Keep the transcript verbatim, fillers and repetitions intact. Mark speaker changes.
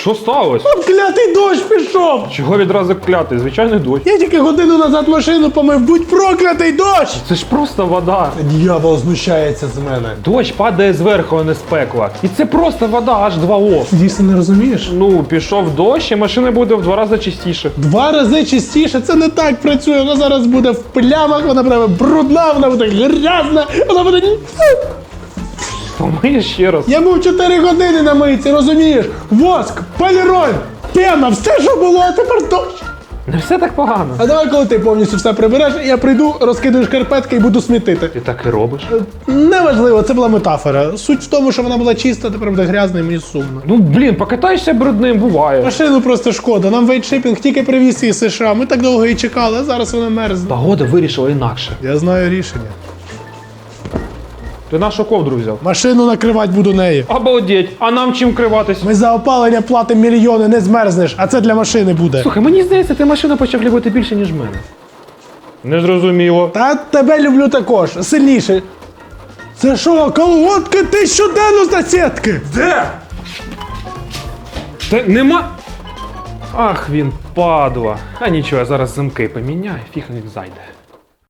Speaker 1: Що сталося?
Speaker 2: От клятий дощ пішов!
Speaker 1: Чого відразу клятий? Звичайний дощ.
Speaker 2: Я тільки годину назад машину помив, будь проклятий дощ!
Speaker 1: Це ж просто вода.
Speaker 2: Дьявол знущається з мене.
Speaker 1: Дощ падає зверху, а не з пекла. І це просто вода аж два о.
Speaker 2: Дійсно не розумієш?
Speaker 1: Ну, пішов дощ, і машина буде в два рази чистіше.
Speaker 2: Два рази чистіше, це не так працює. Вона зараз буде в плямах, вона буде брудна, вона буде грязна, вона буде...
Speaker 1: Помиєш ще раз.
Speaker 2: Я був чотири години на мийці, розумієш? Воск, поліроль, пена, все, що було, а тепер дощ.
Speaker 1: Не все так погано.
Speaker 2: А давай, коли ти повністю все прибереш, я прийду, розкидаю шкарпетки і буду смітити.
Speaker 1: Ти так і робиш.
Speaker 2: Неважливо, це була метафора. Суть в тому, що вона була чиста, тепер буде грязна і мені сумно.
Speaker 1: Ну, блін, покатайся брудним, буває.
Speaker 2: Машину просто шкода, нам вейтшипінг тільки привіз із США, ми так довго її чекали, а зараз вона мерзне.
Speaker 1: Погода вирішила інакше.
Speaker 2: Я знаю рішення.
Speaker 1: Ти нашу ковдру взяв.
Speaker 2: Машину накривати буду нею.
Speaker 1: Обалдеть, а нам чим криватись?
Speaker 2: Ми за опалення платимо мільйони, не змерзнеш, а це для машини буде.
Speaker 1: Слухай, мені здається, ти машину почав любити більше, ніж мене. Не зрозуміло.
Speaker 2: Та тебе люблю також, сильніше. Це що, колготки ти щоденно з сітки?
Speaker 1: Де? Та нема. Ах, він падла. А нічого, я зараз замки поміняю, фіг він зайде.